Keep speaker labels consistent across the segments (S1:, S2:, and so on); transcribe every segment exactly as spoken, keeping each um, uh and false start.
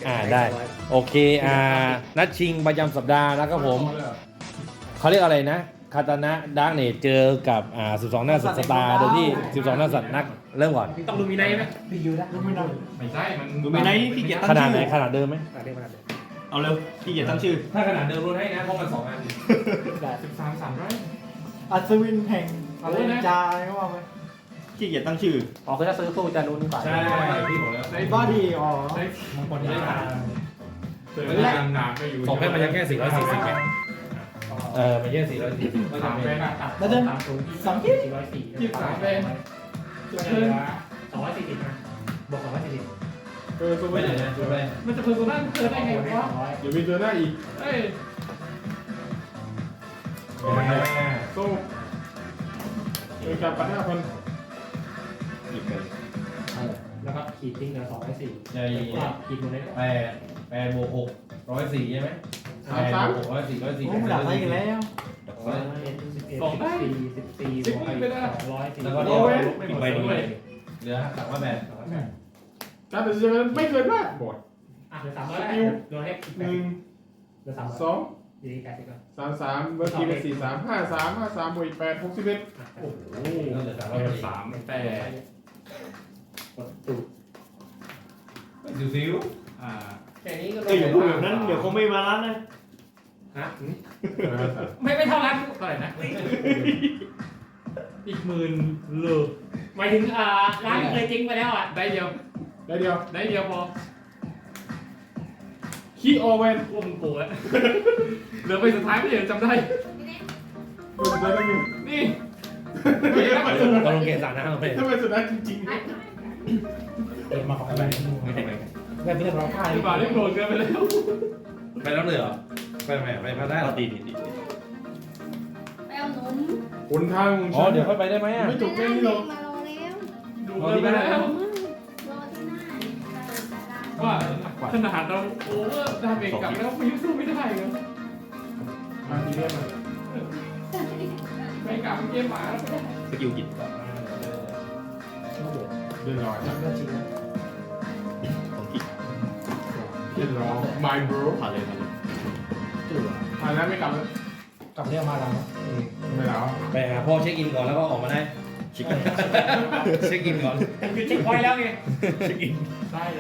S1: อ่าได้โอเคอ่านัดชิงประจำสัปดาห์นะครับผมเขาเรียกอะไรนะคาตานะดาร์กเนตเจอกับอ่าสิบสองหน้าสัตว์สตาร์โดยที่สิบสองหน้าสัตว์นักเริ่มก่อน
S2: ต้องลูมิไนท์ไหม
S3: รีวิวได้ไม่ได้
S4: ไม่ใช่มัน
S2: ลูมิไนท์ขี้เกียจตั้ง
S1: ขนาด
S2: ชื่
S1: ไหน
S2: อ
S1: ขนาดเดิมไหม
S3: อ่ะเรียกมาเลย
S2: เอาเร็วขี้เกียจตั้งชื่อ
S1: ถ้าขนาดเดิมรู้ให้นะเพราะมันสองอัน
S3: ได้
S4: สิบสามสามร้อย
S3: อัศวินแห่งอะไรจาอะไรก็ว่าไป
S2: ขี้เกียจตั้งชื่อ
S3: อ๋อคือถ้าซื้อตู้จะนู้นก่อน
S1: ใช่พี่บอกแล้ว
S3: ไอ้บ้าดีอ๋อ
S4: ได้
S1: บางคนได้ทาน
S4: เจอได้นานก็อยู่
S1: สองแพ็คมันยังแค่สี่ร้อยสี่สิบไงเออมันแค่สี่ร้อยสี่สิบก็
S4: สา
S1: จะ
S4: ม
S1: เป็
S4: เป็น น
S3: แล้วเดินสองที่
S5: สี่ร้อยสี่
S4: ยี่สิบสามเป็นเจอ
S5: สองร้อยสี่สิบนะบวกสองร้อยสี่สิบ
S4: เออตัว
S1: ไม่
S4: ไม่
S1: ไหน
S4: ได้
S1: นะจุดแรก
S4: มันจะเพิ่มตัวนั้นเจอได้ไงวะ
S5: ร้อย
S4: เดี๋ยวมีเจอหน้าอีกเอ้ยโซ่เจอการปัดห้าพัน
S2: หยิบไป
S5: แล้วก็ขีดทิ้งเหลือสองร้อยสี่
S1: ใช่
S5: ขีดหมดเลย
S1: แปดแปดบวกหกร้อยสี่ใช่ไหมแปดบวกหกร้อยสี่ร้อยสี่
S3: โอ้ไม่ดับอะไรกันแล้ว
S5: สิบเอ็ดสิบสี่สิบสี่บวกไปสองร้อยสี่
S1: แล้วก็
S5: ร้
S1: เดี๋ยว
S5: อย
S1: อีกใบหนึงเหลือสามว่าแปด
S4: การตัดสินใจไม่เกินมากบอด
S5: อ่ะเหลือสามร้อยแล้วโดนให้
S4: หนึ่ง
S5: เหลือสาม
S4: สอง
S5: ยี่สิบแปดสิบก่อน
S4: สามสามเมื่อกี้เป็นสี่สามห้าสามห้าสามบวกอีกแปดหกสิบเอ็ด
S5: โอ้โห
S1: ก็เหลือสามร้อยพอดี
S4: สามแปด
S5: กดตูด
S1: ซิวซิว
S4: อ่า
S5: แค่นี้ก็
S2: เอ้ยอย่าพูดแบบนั้นเดี๋ยวเขาไม่มาร้านนะ
S5: ฮะ
S4: ไม่ไม่เท่านั้นเท่าไหร่นะอีกหมื่นเลย
S5: หมายถึงอ่าร้านเคยจริงไปแล้วอ่ะ
S4: ได้เดียวได้เดียวได้เดียวพอคีโอเวน
S5: อุ้มกูแล้ว
S4: เหลือไปสุดท้ายไม่เห็นจำได้ดูสุดท้ายได้อยู่นี่ไม่ได้ไปสุด
S1: ตกลงเกณฑ์สารนะเราไป
S4: ถ้าไปสุดท้ายจริงๆ
S3: เปิดมาของอะไร
S1: ไม่ได้ไป
S3: แบบเรื่องเราค่า
S4: ที่บาทได้โปรดเกินไปแล้ว
S1: ไปแล้วเลยเหรอไปไหนไปพาได้
S2: เอาตีตีตี
S6: ไปเอานม
S4: คุณทาง
S1: อ๋อเดี๋ยวค่อยไปได้ไหมอ่ะ
S4: ไม่จบแค่นี้หรอก
S6: มารอแล้ว
S4: ดูเกินไปแล้ว
S6: รอที่หน้าได้
S4: ว่าขนาดเราโอเวอร์ดาเมจกลับแล้วไม่สู้ไม่ได้เลยมาทีเดียวเลยไม่กลับเกมหมาแล้ว
S2: สกิลหยิบ
S4: เดือดร้อน
S3: เรื่องจริงนะ
S2: ของขี้
S4: เดือดร้อน my bro
S2: ผ่านเลยผ่านเลย
S3: จืด
S4: ผ่านแล้วไม่กลับแล้ว
S3: กลับเรื่องมาแล้ว
S4: ไม่แล้ว
S1: ไปหาพ่อเช็คอินก่อนแล้วก็ออกมาได้
S2: ชิคกัน
S1: เช็คอินก่อน
S5: คือเช็คพอยต์แล้วไง
S1: เช็คอิน
S4: ได้เลย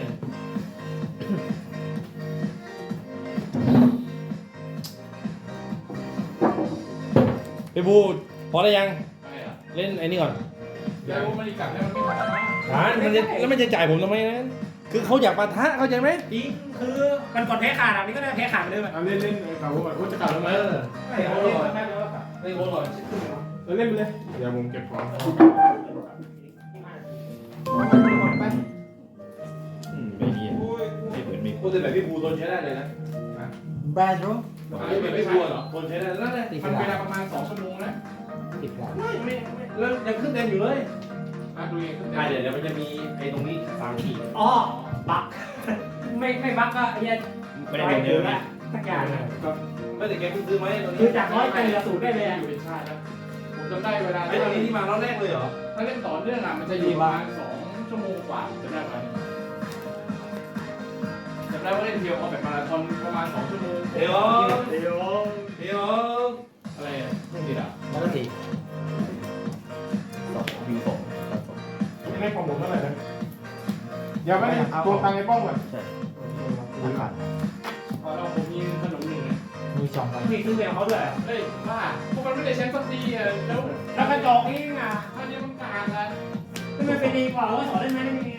S1: ไปบูพอได้ยัง
S4: ได้อะ
S1: เล่นไอ้นี่ก่อน
S4: แล้วมันกลับแล้วมันไม่ผ่าน
S1: ฐานมันจะแล้วมันจะจ่ายผมทำไมนะคือเขาอยากปะทะเข้าใจไหม
S5: จริงคือมันกดแพ้ขาดอ่ะนี่ก็ได้แพ้ขาดไปเลยแบบ
S4: เอาเล่นเล่นไอ้เขาบอกว่าจะกลับแล้วไหม
S5: ไม่เอาเลยไม่เอาเลย
S1: เล่นโค้ดก่อน
S4: เออเล่นไปเลยเดี๋ยวผมเก็บของ
S3: ไป
S2: อืมไม่มีไม่เหมือนมี
S1: พูดถึงแบบพี่บูทนใช้ได้เลยนะ
S3: แบดรู้
S1: แบบพี่บูเหรอทนใช้ได้แล้วนะ
S3: ติด
S4: มัน
S3: ก
S4: เว
S3: ระ
S4: ลา
S3: ดาษ
S4: ประมาณสองชั่วโมงแล้ว
S3: ติดกระดาษ
S1: ไม่ไม่ไม่แล้วยังขึ้นเต็มอยู่เลย
S4: อ่ะดูเองขึ้น
S1: อ่าเดี๋ยวเดี๋ยวมันจะมีไอ้ตรงนี้สามขีด
S5: อ๋อบักไม่ไม่บักก็ไอ้เหี้ย
S2: ไม่ได้เป็นเดิมนะ
S5: สักอย่างนะ
S1: ไม่แต่แกเพิ่งซื้อไหมตรง
S5: คื
S1: นี้
S5: อจากร้อยไปเหลือศูนย์ได้เลย
S4: อ
S5: อ่ะ
S4: ยู่เป็นชาติแล้วผมจำได้เวลา
S1: ไอ้ตรงนี้ที่มารอบแรกเลยเหรอ
S4: ถ้าเล่นต่อเนื่องอ่ะมันจะอยู่ประมาณสองชั่วโมงกว่าจะได้ไหมจำได้ว่าเล่นเทียวเอาแบบมาราธอนประมาณสองชั่วโมง
S1: เดี๋ยว
S5: เดี๋ยว
S1: เดี๋ยว
S4: อะไรอ่ะไม่ผิดอ่ะ
S3: แล้วก็ตี
S2: สองวิวสองตัดสอง
S4: ไม่ได้ความผมเท่าไหร่นะอย่าไม่ได้ตัวตังในป้องก่อน
S2: ใช่
S3: ติดกระดาษ
S4: พอเราผมมีขนมหนึ่งเลย
S3: มีสองใบ
S5: มีซื้อแมวเขาด้วย
S4: เฮ้ยว่าพวกมันไม่ได้ใช้สักทีอ่ะแล้ว
S5: แล้วกระจอกนี่ไง
S4: อันนี้มันต่างกัน
S5: ทำไมไปดีกว่าว่าสอนได้ไหมได้ไหม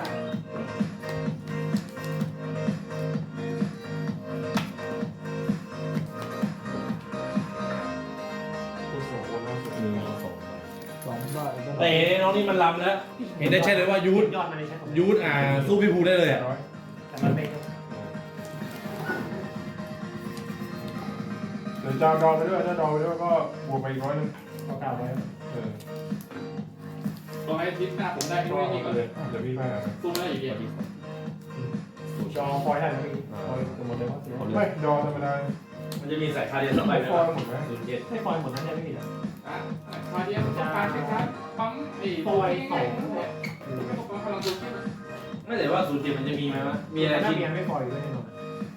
S2: มีสอง
S3: สองใบ
S1: แต่น้องนี่มันลำแล้วเห็นได้ใช่เลยว่ายูท
S5: ยอดมันเลยใช่ผม
S1: ยูทอ่าสู้พี่บูได้เลยอ่ะ
S5: แต่มันเป็น
S4: เดี๋ยวจะดองไปด้วยถ้าดองไปด้วยก็บวกไปอีกร้อยนึง
S5: เก่าๆไว้
S4: เออตอนอาทิตย์หน้าผมได้พี่ไม่นี่ก่อนเลยเดี๋ยวพี่ไปหาตู้ได้อีกอย่าง
S5: จอคอยได้ไหมคอยหมดเลยว่า
S4: ไม่ดองธรรมดา
S1: มันจะมีสายคาเดียนสองใบ
S4: ไม่
S1: นะ
S4: ฟอยหมดไหม
S1: ศูนย์เจ็ด
S5: ให้คอยหมดนั้นได้ไม่ผิดอ่ะ
S4: อ่ะมาเดียวต้องการแค่ครับปั๊มไอ้
S5: คอย
S4: ง่าย
S5: สอง
S4: ๆเนี่ยไม่ต้องการพลังตัวคิด
S1: ไม่แต่ว่าศูนย์เจ็ดมันจะมีไหมวะมีอะไร
S3: ถ้า
S1: ที่
S3: เมียไม่ปล่อยเลยหรอก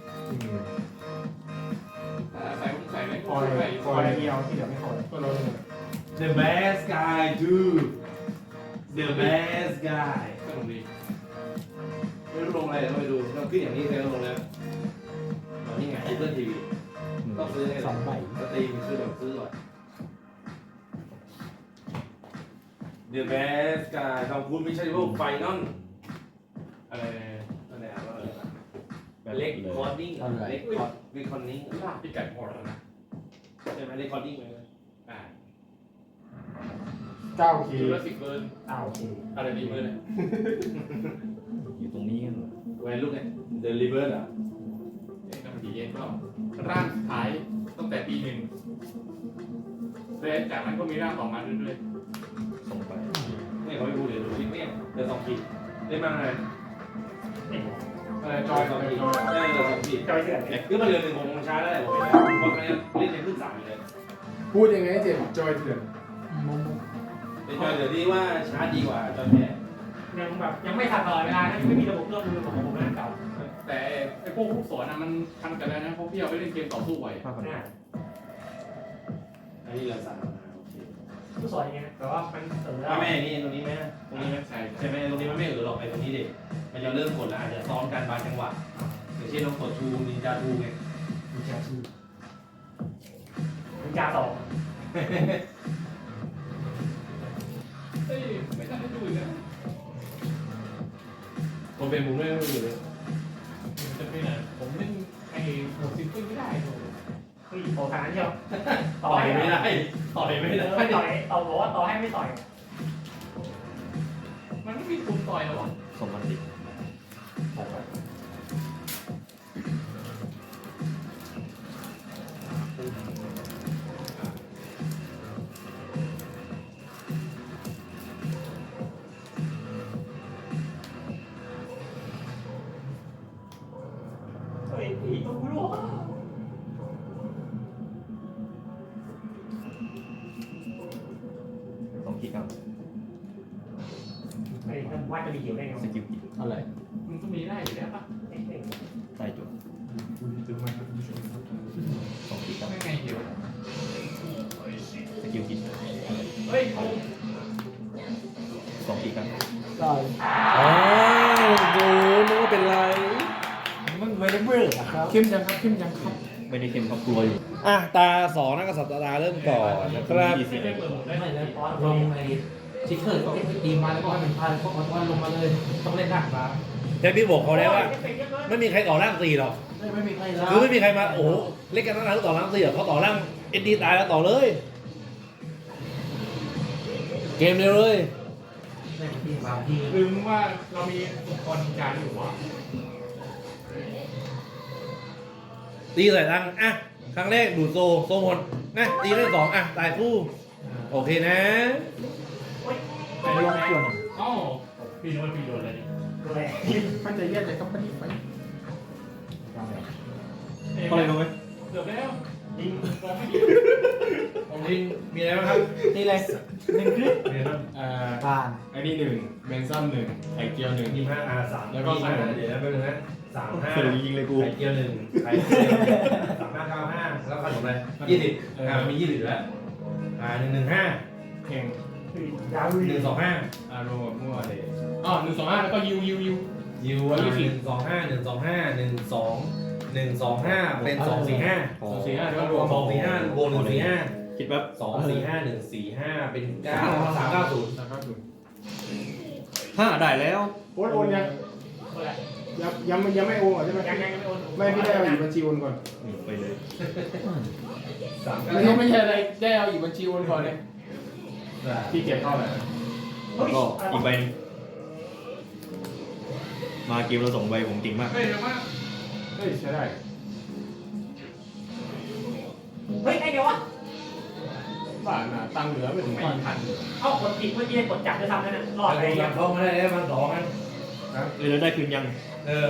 S4: ใส่ใส่ไม่
S3: ปล่อย
S4: ใส่
S3: ปล่อยเดียวที่เหลือไม่ปล่อย
S4: ก็ลดเลย
S1: The best guy dude The best guy
S4: ก็ลงดี
S1: ไม่รู้ลงอะไรเราไปดูเราขึ้นอย่างนี้เคยลงแล้วอ๋อนี่ไง Apple ที วี ต้องซื้อให้
S3: สองใบ
S1: สตรีมคือแบบซื้อก่อน The best guy คำพูดไม่ใช่พวกไฟนอล
S4: อะไร
S1: อะไรอ่ะว่าอะไรนะเล็กคอร์ดิ้งเล็กคอร์ดเล็กคอร์ดิ้ง
S4: ลาบที่ไก่พอแล้วนะ
S1: ใช่ไหมเล็กคอร์ดิ้งไหม
S4: อ่า
S3: เก้าคี
S4: จุลศิษย์เบิร์น
S3: เก้าคี
S4: อะไรดีเบิร์นเนี่ย
S2: อยู่ตรงนี้กันเหรอ
S1: แวนลูกเนี่ย The River อ่ะ
S4: เอ็กซ์มันดีเอ็นก็ร่างสุดท้ายตั้งแต่ปีหนึ่งแล้วจากนั้นก็มีร่างต่อมาเรื่อย
S2: ส่งไป
S1: ไม่เขาไม่พูดเลยดูคลิปเนี่ยเดือนสองขีดได้มากเลย
S4: ๆอะไรจอยสองปี
S1: ได้เดือนสองขีด
S3: จอยเสือ
S1: คือมันเดือนหนึ่งผมช้าได้ผมเห็นแล้วเพราะตอนนี้เล่นในขึ้นสามเลย
S7: พูดยังไงเจมส์จอยเถื่อน
S1: เป็นจอยเดี๋ยวนี้ว่าช้าดีกว่าจอยแท้
S5: ยังแบบยังไม่ทันตลอดเวลานะยังไม่มีระบบเลือกมือของผมนั่นเก่า
S4: แต่ไอ้พวกผู้สอนนะมันทันกันแล้วนะเพราะพี่เอาไปเล่นเกมต่อสู้ไว้
S2: ห้าพัน
S5: เนี่ย
S1: อันนี้เราสามโอเค
S5: ผู้สอนอย่างเงี้ยแต่ว่ามันเสริม
S1: ถ้าแม่นี่ตรงนี้ไหมตรงนี้ไหม
S4: ใช่
S1: ใช่ไหมตรงนี้มันไม่เออหรอกไอ้ตรงนี้เด็กมันจะเริ่มกดแล้วอาจจะซ้อมกันบางจังหวะอย่างเช่นเรากดทูนินจาทูไง
S3: มีแค่ชื่อ
S5: คุณจาสอง
S4: เฮ้ยไม่ทันได้ดูอีกนะ
S1: ผมเป็นมุมไม่รู้อยู่เลย
S4: จะไปไหนผมเล่นไอ้หมดซิงเกิลไม่ได้เลย
S5: คือโผล่ทางนั้นเชียว
S1: ต่อยไม่ได้ต่อยไม่ได้
S5: ไม่ต่อยต่อบอกว่าต่อให้ไม่ต่อย
S4: มันไม่มีทุนต่อยแล้วอ่ะ
S2: ส่งมันดิ
S5: เฮ้ยอีตัวรู้ว่า
S2: สองขีดครับ
S5: ไอ้ท่านวาดจะมีเขียวได้ไง
S2: สกิลกิ
S7: อะไร
S4: มันก็มีได้อยู่แล้วปะ
S2: ใต้จุด
S7: คุณซื้อมาให้ผู้ชม
S2: สองขีดครับ
S4: ไม่ไงเหี่ยว
S2: สกิลกิ
S4: เฮ้ยโอ้
S2: สองขีดครับ
S3: ได้
S1: อ๋อดูนึกว่าเป็นไร
S3: มันไม่ได้เบื่อครับ
S7: เข้มยังครับเข้มยังครับ
S2: ไม่ได้เข้มครับกลัวอยู่
S1: อ่ะตาสองนักกษัตริย์ตาเริ่มก่อนนะครับ
S2: ยี่สิบ
S5: ไม่เปิดผมได้
S3: ไม่
S5: เล
S3: เลย ยลงในชิคเกอร์ก็ตีมาแล้วก็ให้มันพายพวกมันว่าลงมาเลยต้องเล่นหนักมา
S1: แค่พี่บอกเขาแล้วว่าไม่มีใครต่อร่างสี่หรอก
S3: ไม่ไม่มีใครแล้ว
S1: คือไม่มีใครมาโอ้โหเล่นกันตั้งนานต่อร่างสี่หรอกเขาต่อร่างเอ็นดีตายแล้วต่อเลย เกมเร็วเลย
S3: ในที่บางที่
S4: ลืมว่าเรามีอุปกรณ์การอยู่วะ
S1: ตีใส่รังอ่ะครั้งแรกดูดโซโซหมดนะตีได้สองอ่ะตายคู่โอเคนะ
S4: ไอ้ลงส่วนอ๋อพี่โดนพี่โดนอะไรนี่
S5: ดูแล
S7: มันจะแยกจากกัมปานีไป
S2: อะไรรู้ไหม
S4: เกือบแล้วยิงกองไม่ดี
S1: ของจริงมีอะไรบ้างครับ
S3: นี่เลยหนึ่งคลิป
S1: มีอะไรบ้าง
S7: อ่า
S3: ผ่าน
S7: อันนี้หนึ่งแมนซัมหนึ่งไข่เจียวหนึ่ง
S1: ยี่ห้าอาสามแล้วก็เดี๋ยวนะแป๊บนึงนะสามห้า
S2: เฟรยิงเลยกู
S1: ไข่เจียวหนึ่งไข่เจียวสามห้าเก้าห้าแล้วขนมอะไรยี่สิบอ่ามียี่สิบอยู่แล้วอ่าหนึ่งหนึ่งห้า
S7: แข่ง
S5: ยาว
S1: หนึ่งสองห้า
S7: อารมณ์มั่วเลยอ๋อหนึ่งสองห้าแล้วก็ยูยูยู
S1: ยูอ่ะหนึ่งสองห้าหนึ่งสองห้าหนึ่งสองหนึ่งสองห้าเป็นสองสี่ห้า
S7: สองสี่ห้าแล้วก็รวม
S1: สองสี่ห้าบวกหนึ่งสี่ห้า
S2: คิดแบบ
S1: สองสี่ห้าหนึ่งสี่ห้าเป็นเก้าสามเก้าศูนย์
S7: นะครับคุณ
S2: ห้าได้แล้ว
S7: โอนโอนยังยังยังยังไม่โอนเหรอใช่ไหม
S5: ยังยังไม่โอน
S7: ไม่พี่ได้เอาอีกบัญชีโอนก่อน
S2: อืมไปเลย
S1: สามเก้า
S7: ไม่ใช่ไม่ใช่อะไรได้เอาอีกบัญชีโอนก่อนเนี่ยที่เก็บเข้าแหละ
S2: แล้วก็อีกใบหนึงมาเกมเราสองใบผมเก่งมาก
S4: เฮ้ยเร็วมาก
S7: เฮ้ยใช้ได้
S5: เฮ้ยไอ้เดียววะ
S7: บ้านน่ะตังค์เหลือไม่ถึงพันพัน
S5: เอ้ากดจิกเมื่อกี้กดจับจะทำนั่นน่ะรอด
S1: อะไร
S5: เลย
S1: ยังเข้ามาได้แล้วมันสองอัน
S2: เออแล้วได้คืนยัง
S1: เออ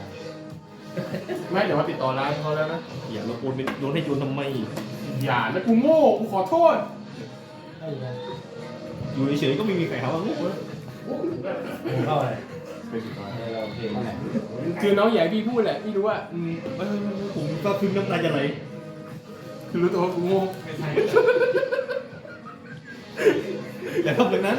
S7: ไม่เดี๋ยวว่าติดต่อร้านเขาแล้วนะ
S2: อย่าเราโอนเป็นโดนให้โจรทำไม
S7: อย่านะกูโง่กูขอโทษ
S3: ไอ้ยัง
S2: อยู่เฉยๆก็ไม่มีใครหาว่าโง่
S1: ผมเข้าอะไร
S2: เป็นสุดท้าย
S1: เราโอเค
S7: คือน้องใหญ่พี่พูดแหละพี่รู้ว่าอืม
S2: เออผมก็คึ้มน้ำตาจะไหล
S7: คือรู้ตัวว่ากูงง
S4: ไม่ใช่
S2: อย่าทำแบบนั้น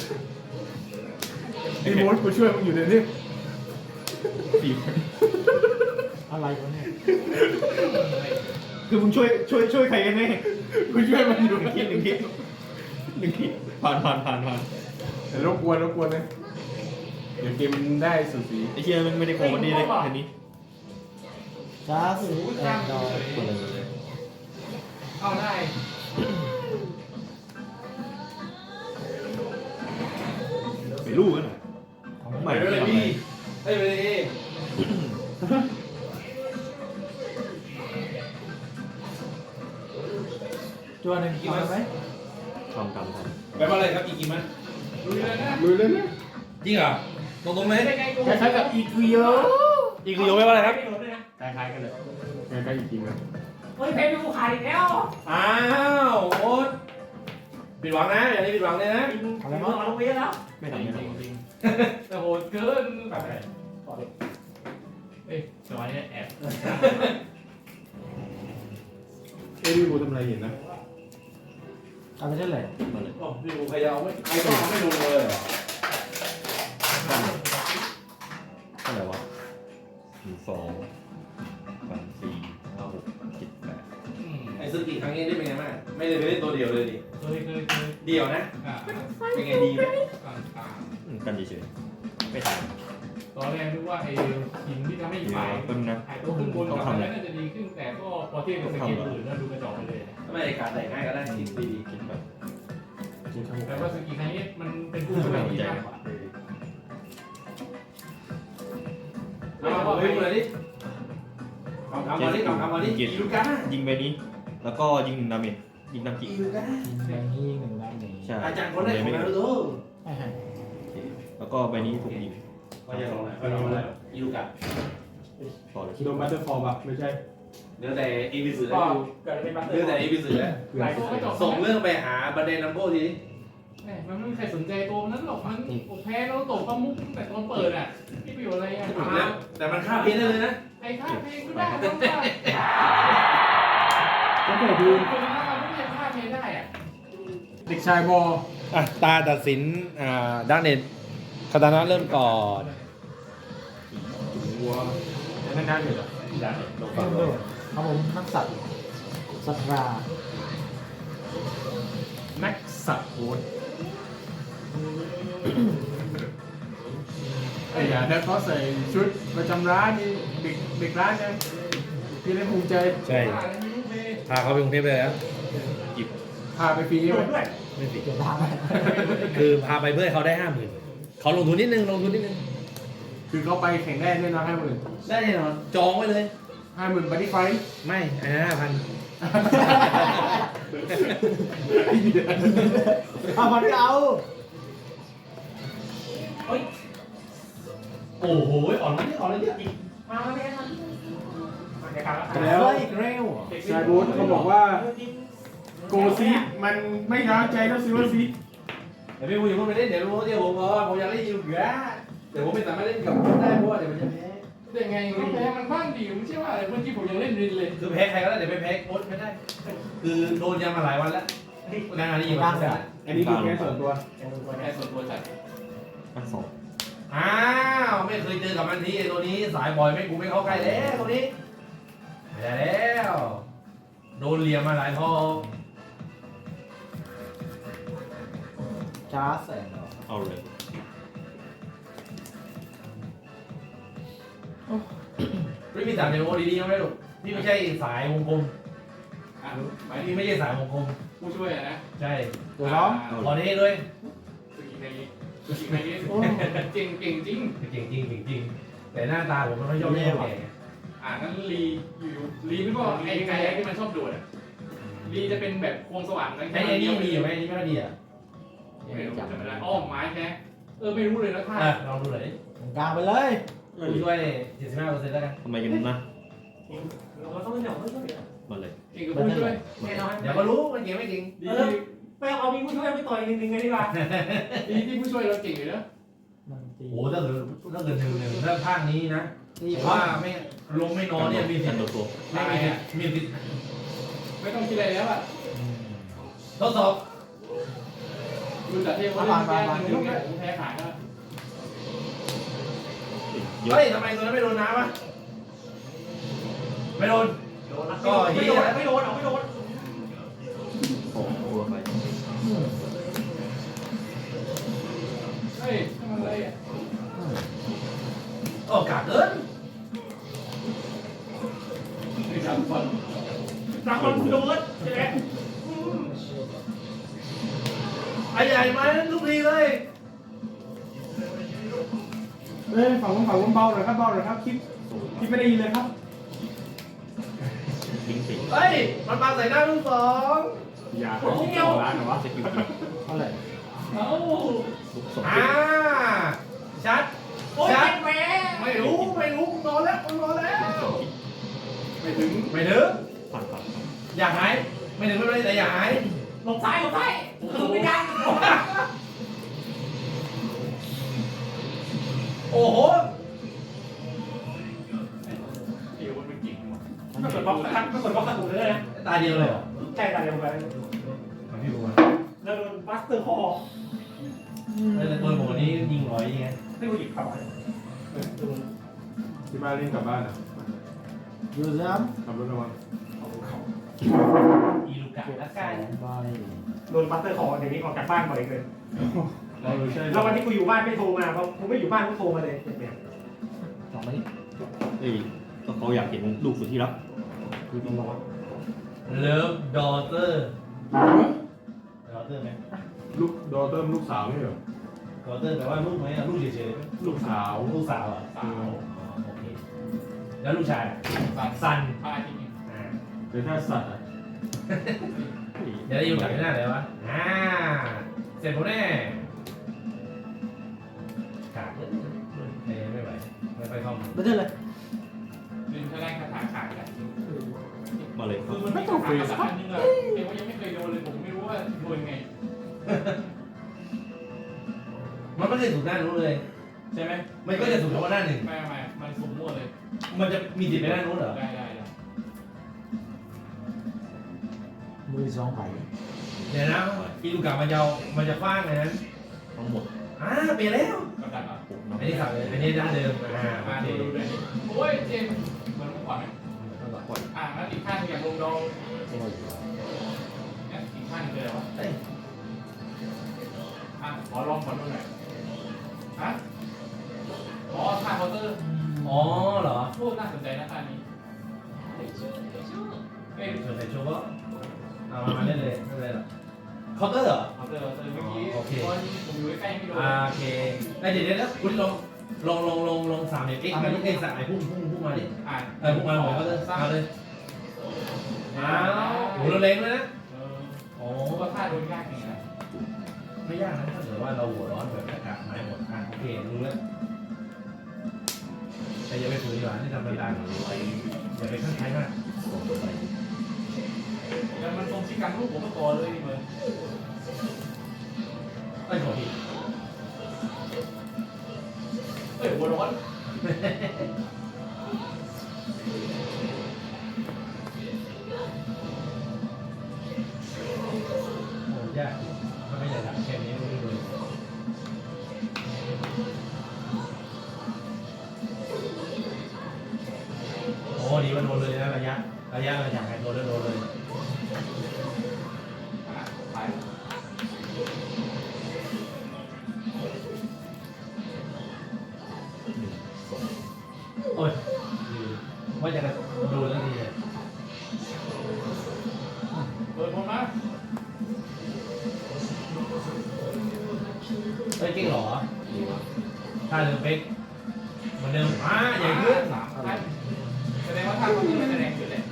S7: พี่โมดกูช่วยมึงอยู่เดี๋ยวนี้
S2: สี่
S5: อะไรวะเนี่ย
S2: คือมึงช่วยช่วยช่วยใครกันแน่
S7: กูช่วยมันอยู่
S2: หนึ่งคิดหนึ่งคิดหนึ่งคิดผ่านผ่านผ่านผ่าน
S7: แต่รบกวนรบกวนนะเดี๋ยวเกมมันได้สุดสี
S2: ไอ้เชี่ยมันไม่ได้โกงวันนี้เลยอันนี้
S5: จ้าสูแอนดรอย
S2: เปิดเลย
S4: เอาได้
S2: ไปลูกกันหน่อยใหม่
S1: ไป
S2: ไม่
S1: เลย
S2: ทำอะไร
S1: พี่เอ้ยไปเลย
S5: จัวหนึ่งเอาไหม
S2: ทำทำท
S1: ไปมาเลยครับกี่กินมั้ย
S4: ลุยเลยนะ
S7: มือเลยนะ
S1: จริงเหรอตรงตรงไหม
S4: ได้ไงกู
S7: คล้ายๆกับอีคุโย
S1: อีกคือโยไม่ว่าอะไรครับ
S7: คล้ายๆกันเลยคล้ายๆอีกจริงนะ
S4: เฮ้ยเพชรดูขายอีกแล้ว
S1: อ้าวโอ๊ตผิดหวังนะอย่างนี้ผิดหวังเลยนะ
S5: อะไรมั้ง
S4: เอาลงไปเยอะแล้ว
S2: ำไม่ทำไม่ทำ
S4: แต่โหดเกินแบบเอ้ยสมัยนี้แอบ
S7: เอ้ยพี่บูทำอะไรเห็นนะ
S5: เอาไปเท่าไหร่
S2: มาเลย
S1: อ๋อพี่กูพยายามไม่ใครก็ไม่ลงเลยเหรอ
S2: เท่าไหร่วะหนึ่งสองสามสี่ห้าหกเจ็ดแปด
S1: ไอ้ซึกิครั้งนี้ได้เป็นไงบ้างไม่ได้ไปเล่นตัวเดียวเลยดิ
S4: เคยเคยเคย
S1: เดียวนะ
S4: อ่า
S1: เป็นไงดีไหม
S4: ต่างต่าง
S2: อืมกันเฉยๆไม่ทำ
S4: ตอนแรกนึกว่าไอ้หินที่ทำให้
S2: เดี๋ยว
S4: ฝ่าย
S2: แป๊บนึงนะ
S4: ไอ้ตัวขึ้นบนกับอะไรน่าจะดีขึ้นแต่ก็พอเทียบกับสกิลอื่นน่าดูกระจอกไปเลย
S1: ทำไมไอ้การแต่งง่ายก็ได้ดีดี
S2: คิดแบบ
S4: แต่ว่าสกิลครั้งนี้มันเป็นผู้ช่วยที่มากกว่า
S1: เอาไปเลยดิคำคำมาดิคำคำมาดิอีลูก้า
S2: ยิงไปนี้ แล้วก็ยิงหนึ่งดาเมจยิงดำกิ
S1: อีลูก้า
S5: แดงที่หนึ่งด้านนี้
S2: ใช่
S1: อาจารย์คนแรกของเราดู
S5: ไม่ให้
S2: แล้วก็ใบนี้ถูกยิง
S1: ก็จะลงไหนก็ลงไหนอีลูก้า
S2: ต่อเลย
S7: โดนบัตเตอร์ฟอร์มอ่ะไม่ใช่
S1: เนื้อแต่อีพีสื่อ
S4: ก็
S1: แล้ว
S4: เกิดเป็นบัตเตอ
S1: เนื้อ
S4: ร์
S1: แต่อีพีสื่อแล้ว
S4: หลายตัวก็จบ
S1: ส่งเรื่องไปหาบันเดนนัมโบที
S4: มันไม่มีใครสนใจตัวนั้นหรอกมันแพ้แล้วตกก็มุกแต่ตอนเปิดอ่ะที่ประโยชน์อะไรอ่ะ
S1: แต่มันฆ่าพีได้เลยนะ
S4: ไอ้ค่าเพลงก็ได้ต้องว่า
S7: ก็แต่ดู
S4: คนนั้นมันไม่ใช่ค่าเพลงได้อ่ะ
S7: เด็กชายบอ
S1: อ่ะตาตัดสินอ่าด้านเน็ตคาตานะเริ่มก่อน
S7: วัวนั่นนั่นอยู่เหรอ
S2: ดาเมจลง
S5: เพิ่มด้วยครับผมนักสัตว์สัตรา
S7: นักสัตว์โหดไอ้ยาถ้าเขาใส่ชุดประจำร้านนี่เด็กเด็กร้านนะพี่ได้ภูมิใจ
S1: ใช่พาเขาไปกรุงเทพเลยนะ
S2: จิบ
S7: พาไปฟรีไหม
S1: ไม่ผิด
S5: เกี่ยวกับ
S1: คือพาไปเพื่อให้เขาได้ห้าหมื่นเขาลงทุนนิดนึงลงทุนนิดนึง
S7: คือเขาไปแข่งได้แน่นอนห้าหมื่น
S1: ได้แน่นอนจองไว้เลย
S7: ห้าหมื่นบัตตี้ไฟ
S1: ไม่อันนั้นห้าพัน
S5: เอามันก็เอา
S1: โอ้โหอ่อนนี่อ่อนเลยเนี่ย
S4: มาแล้วไม่ทันมาเดี๋ยวครับ
S7: แล้ว
S5: เฮ้ยเร็ว
S7: ชายบูธเขาบอกว่าโกซีมันไม่ร้าวใจเท่าซิลเวอร์ซี
S1: เดี๋ยวพี่พูดอย่าพูดไปเล่นเดี๋ยวรู้เดี๋ยวผมบอกว่าผมอยากเล่นยูเกือแต่ผมไม่สามารถเล่นกับคุณได้เพราะว่าเดี๋ยวมันจะแพ้
S4: ได้ไงมันแพ้มันบ้านดีไม่ใช่ว่าอะไรเมื่อกี้ผมยังเล่นรินเลย
S1: คือแพ้ใครก็ได้เดี๋ยวไปแพ้โค้ชไม่ได้ คือโดนยามาหลายวันแล้วงานนี้อยู่บ้านแล้ว
S7: อันนี้คือแค่ส่วนตัว
S4: แพ้ส่วนตัวจัด
S2: อ่ะสอง
S1: อ้าวไม่เคยเจอกับมันทีไอ้ตัวนี้สายบอยไม่กูไม่เข้าใกล้แล้วตัวนี้ไม่ได้แล้วโดนเหลี่ยมมาหลายทอง
S5: จ้าแสน
S2: เอาเลย
S1: ไม่มีสามเดโมดีๆยังไม่หรอกนี่ไม่ใช่สายวงกลม
S4: อ่ะหมาย
S1: อัน
S4: ถึ
S1: นี้
S4: ง
S1: ไม่ใช่สายวงกลม
S4: ผู้ช่วยอะนะ
S1: ใช่
S5: ตัวร้อง
S1: ขอเทด้วย
S4: สกิลไงสกิลไงเก่งเก่งจริง
S1: จริงจริงจริงจริงแต่หน้าตาผมไม่ค่อยชอบเล่นแก่
S4: อ่านั้นลีอยู่ลีไม่ก็ไอ้ไก่ที่มันชอบโดดอ่ะลีจะเป็นแบบควงสว่างนั่น
S1: ไอ้ไอ้นี่มีอยู่ไหมไอ้นี่ไม่ค่อยดีอ่ะ
S4: ไม่รู้จำไม่ได้อ้อมไม้แค่เออไม่รู้เลยนะท่า
S1: อ่ะลองดูหน่อย
S5: กลางไปเลย
S1: ผู้ช่วยเจ็ดสิบห้าเปอร์เซ็นต์แล้วกัน
S2: ทำไมกันนะ
S8: เราต้องเล่นอย่างไม่ใช่เหรอ
S2: มาเลย
S4: เก่งกับผู้ช่วย
S8: แน่นอน
S1: เดี๋ยวก็รู้มันเก่งไม่เก่ง
S4: ดี
S8: ไปเอามีผู้ช่วยไปต่อยหนึ่งหนึ่งไงดีกว่า
S4: ดีที่ผู้ช่วยเราเก่งอยู่นะ
S5: มันเจ
S1: โอ้ถ้าเกิดถ้าเกิดหนึ่งหนึ่งถ้าภาคนี้นะว่าไม่ลงไม่นอนเนี่ยมีสิ
S2: กั
S1: ท
S2: น
S1: ธิ์
S2: ตัวตัว
S1: ไม่มีสิทธิ์มีสิทธิ์
S4: ไม่ต้องคิดอะไรแล้วอ่ะ
S1: ทดสอบ
S4: ดูแต่เทพว่าแพ้หนึ่งเนี่ยผมแพ้ขาดแล้ว
S2: เยอะ
S1: เฮ้ยทำไมตัวนั้นไม่โดนน้ำวะไม่โดน
S8: โดนนะไม่โดนไม่โดนเอาไม่โดน
S2: สองตัวไป
S4: เฮ้ยทำอะไรอ่ะ
S1: โอ้กาเกิน
S4: ไม่จับก่อน
S8: รักมันโดนใช่ไหม
S1: ไอ้ใหญ่มาทุกทีเลย
S7: เอ้ยฝั่งผมฝั่งผมเบาหน่อยครับเบาหน่อยครับคลิปคลิปไม่ได้ยินเลยครับ
S2: ลิงก์สิ
S1: เฮ้ยมันปาใส่หน้าลูกสอง
S7: อย่าครับเกี่ยวร้านเหรอวะ
S2: สกิลกิน
S7: เท่าไหร่
S4: เอ้า
S2: ลุกสอง
S1: อ่าชัด
S8: โอ้ย
S1: ชัด
S8: แม่
S1: ไม่รู้ไม่รู้นอนแล้วนอนแล้ว
S2: สองกิน
S7: ไม่ถึง
S1: ไม่ถึง
S2: ผ่านผ่าน
S1: อย่าหายไม่ถึงไม่เป็นไรแต่อย่าหาย
S8: หลบซ้ายหลบซ้ายคือไม่ได้
S1: โอ้โห
S4: เดี๋ยวมันเป็นกิ่งหมด
S8: ไม่กดบล็อกนะครับไม่กดบล็อกขัดหูเลยนะ
S1: ตาเดียวเลยเหรอ
S8: ใช่ตาเดียวกัน
S1: พี่บัว
S8: แล้วโดนบัสเตอร์คอ
S1: แต่ตัวผมวันนี้ยิงร้อยยังไง
S8: ไม่รู้หยิบเข้าไป
S7: ที่บ้านเล่นกลับบ้านอ่ะ
S5: อยู่ซ้
S7: ขับรถระวัง
S1: อีลูกะละกัน
S5: ำใบ
S8: โดนบัสเตอร์คอเดี๋ยวนี้ออกจากบ้านบ่อยเกิน
S7: เราใช่
S8: แล้ววันที่กูอยู่บ้านไม่โทรมาเพราะกูไม่อยู่บ้านกูโทรมาเลยเนี่ย
S5: สองใบ
S2: เอ้ยก็เขาอยากเห็นลูกสุดที่รัก
S5: คือตรงร้อน
S1: เลิฟดอเตอร์ดอเตอร์ไหม
S7: ลูกดอเติมลูกสาวนี่เหรอ
S1: ดอเตอร์แปลว่าลูกไหมอะลูกเฉยๆไหม
S7: ลูกสาว
S1: ลูกสาวเหรอ่ะ
S4: สาว
S1: โอเคแล้วลูกชายอะ
S4: สัน
S1: ซัน
S4: พายจริง
S1: อ่า
S7: เดี๋ยวถ้าสัตว์อ่ะ
S1: เดี๋ยวได้อยู่กับที่หน้าเลยวะอ่าเสร็จผมแน่ขาดเลยเอ้ยไม่ไหวไม่ค่อยเข้ามา
S5: ไม่ได้เลย
S4: ๆลืมแค่แรงคาถาขาดกัน
S2: มาเลย
S4: คือมันไม่ต้องเฟสอันนึงอะเอ็ว่ายังไม่เคยโดนเลยผมไม่รู้ว่าโดนไง
S1: มันไม่ได้ถูกหน้านู้นเลย
S4: ใช่ไหม
S1: มันก็จะถูกเฉพาะหน้าหนึ่ง
S4: ไม่ไม่มันสุ่มมั่วเลย
S1: มันจะมีสิทธิ์ไปหน้านู้นเหรอ
S4: ได้ได้ได้
S5: มือสองใบ
S1: เดี๋ยวนะอีลูกะมันจะเอามันจะคว้างเลยนะ
S2: ทั้งหมด
S1: อ่าเปลี่ยนแล้ว
S4: กำลังอ่ะ
S2: ผมน้อง
S1: อันนี้สับเลยอันนี้ด้านเดิมอ่าโอ
S4: มา
S1: เค
S4: ดูดูเลยโอ้ยเจมมันขวาไหมอ่างั้นอีกข้างอย่างลงดองเนี่ยอีกข้างเลยเหรอ
S1: เอ้ย
S4: อ่ะขอลองขอดูหน่อยฮะอ๋อท่าเคาน์เตอร์
S1: อ๋อเหรอ
S4: โคตรน่าสนใจนะท่านี้เอ้ย
S1: เชิญใส่โชว์ก็เอามามาเล่นเลยไม่เป็นไรหรอกเคาน์เตอร์เหรอ
S4: เคาน์เตอร์เคาน์เตอร์เมื่อกี้
S1: โอเค
S4: ตอนผมอยู่ใกล้ๆไม่โดน
S1: อ่าโอเคไอ้เดี๋ยวเดี๋ยวคุณลงลงลงลงลงสามเอ็กซ์มาดิเอ้ยสามไอ้พุ่งพุ่งพุ่งมาดิ
S4: อ่ะ
S1: เออพุ่งมาหน่อยเคาน์เตอร์เอาเลยอ้าวโหเราเล็งเลยนะ
S4: เออ
S1: โอ้
S4: ผมว่าท่าโดนยากจริงนะ
S1: ไม่ยากนะถ้าเกิดว่าเราหัวร้อนแบบอากาศไม้หมดอ่ะโอเครู้แล้วแต่อย่าไปฝืนดีกว่าที่ทำไปตาม
S2: ไล
S1: อย่าไปข้างใครมาก
S2: สองใบ
S4: แล้วมันตรงชิกันลูกผมก็ต่อเลยนี่เหมือน
S1: ไอ้ยขอผิด
S4: เอ้ยหัวร้อน
S1: โอ้ยากมันไม่ใหญ่หลักแค่นี้ไม่รู้เลยโอ้ดีมันโดนเลยนะระยะระยะระยะไงโดนแล้วโดนเลย
S4: อ่ะไป
S2: สอง
S1: โอ้ยว่าจะโดนแล้วทีเนี่ย
S4: เปิดผมนะ
S1: เฮ้ยเก่งเหรอ
S2: ดีมาก
S1: ถ้าเดิมเป๊กเหมือนเดิมอ่าใหญ่ขึ้น
S4: สามท่านแสดงว่าท่านเขาต้องไม่แสดงขึ้นเลย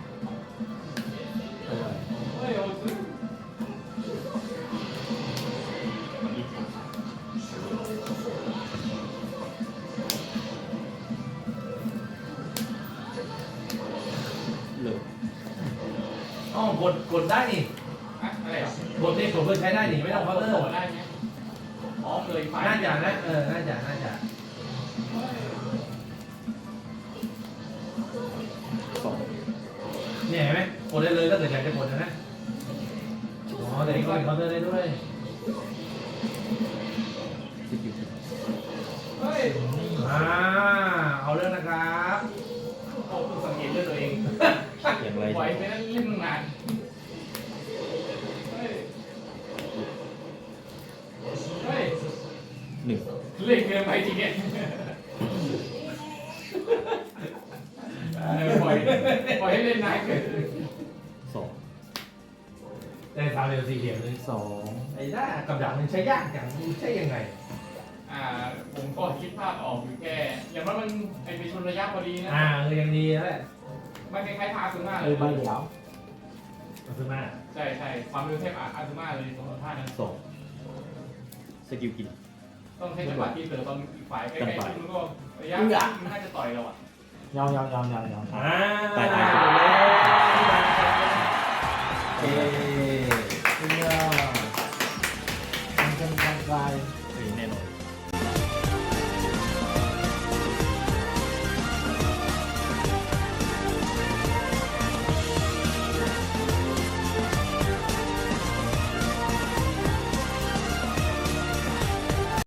S4: เฮ้ยโอ้ย
S2: เลิก
S1: อ๋อกดกดได้นี่
S4: อะอะไรอ่ะ
S1: กดเด็กกดเพื่อใช้ได้นี่ไม่ต้องเคาน์เตอร์
S4: ได้ไหมอ๋อเลยไฟ
S3: น่าจะนะเออน่าจะน่าจะ
S2: สอง
S3: เนี่ยเห็นไหมกดได้เลยถ้าเกิดอยากจะกดนะนะอ๋อแต่นี่ก็เป็นเคาน์เตอร์ได้ด้วย
S2: สกิล
S4: เฮ้ย
S3: อ่าเอาเรื่องนะครับ
S4: โอ้คุณสังเกตด้วยตัวเอง
S2: อย่างไร
S4: ปล่อยไปนั่นเล่นนานเฮ้ยเฮ้ย
S2: หนึ่ง
S4: เล่นเกินไปจริงเนี่ยเออปล่อยปล่อยให้เล่นนานเกิน
S2: สอง
S3: ได้สามเหลี่ยมสี่เหลี่ยมเลย
S2: สอง
S3: ไอ้ด้ากับดักมันใช้ยากอย่างมันใช้ยังไง
S4: อ่าผมก็คิดภาพออกอยู่แค่อย่างว่ามันไอเป็นชนระยะพอดีนะ
S3: อ่าเออยังดีแล้วแหละ
S4: มันคล้ายๆพาซึมาเล
S5: เออย ใบเดียว
S3: มาซื้อมา
S4: ใช่ใช่ความเร็วเทพอาซึมาเลยตรงท่านั้น
S2: สองสกิลกิน
S4: ต้องใช้จังหวะที่เสือตอนอีกฝ่ายใกล้ๆที่มันก็ระยะมันน่าจะต่อยเราอ่ะ
S5: ยาวยาวยาวยาวยาว
S3: อ่า
S2: ตายตาย
S3: เอ๊